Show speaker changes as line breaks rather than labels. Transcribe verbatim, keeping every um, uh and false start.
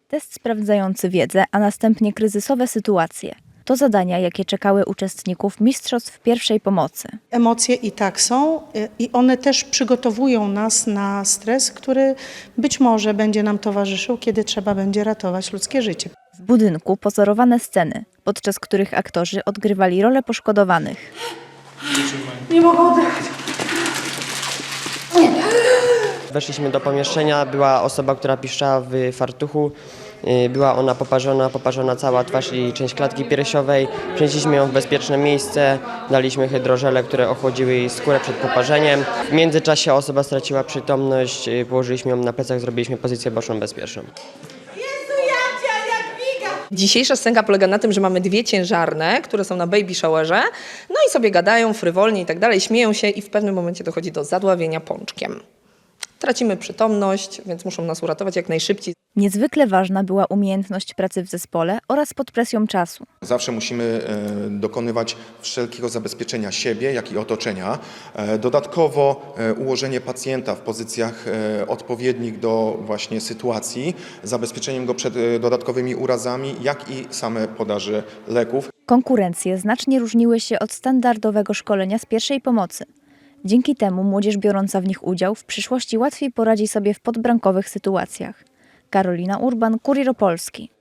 Test sprawdzający wiedzę, a następnie kryzysowe sytuacje. To zadania, jakie czekały uczestników mistrzostw pierwszej pomocy.
Emocje i tak są i one też przygotowują nas na stres, który być może będzie nam towarzyszył, kiedy trzeba będzie ratować ludzkie życie.
W budynku pozorowane sceny, podczas których aktorzy odgrywali rolę poszkodowanych.
Nie mogę oddychać.
Weszliśmy do pomieszczenia, była osoba, która piszczała w fartuchu. Była ona poparzona, poparzona cała twarz i część klatki piersiowej. Przenieśliśmy ją w bezpieczne miejsce, daliśmy hydrożele, które ochłodziły jej skórę przed poparzeniem. W międzyczasie osoba straciła przytomność, położyliśmy ją na plecach, zrobiliśmy pozycję boczną bezpieczną.
Dzisiejsza scenka polega na tym, że mamy dwie ciężarne, które są na baby showerze, no i sobie gadają frywolnie i tak dalej, śmieją się i w pewnym momencie dochodzi do zadławienia pączkiem. Tracimy przytomność, więc muszą nas uratować jak najszybciej.
Niezwykle ważna była umiejętność pracy w zespole oraz pod presją czasu.
Zawsze musimy dokonywać wszelkiego zabezpieczenia siebie, jak i otoczenia. Dodatkowo ułożenie pacjenta w pozycjach odpowiednich do właśnie sytuacji, zabezpieczeniem go przed dodatkowymi urazami, jak i same podaży leków.
Konkurencje znacznie różniły się od standardowego szkolenia z pierwszej pomocy. Dzięki temu młodzież biorąca w nich udział w przyszłości łatwiej poradzi sobie w podbramkowych sytuacjach. Karolina Urban, Kurier Opolski.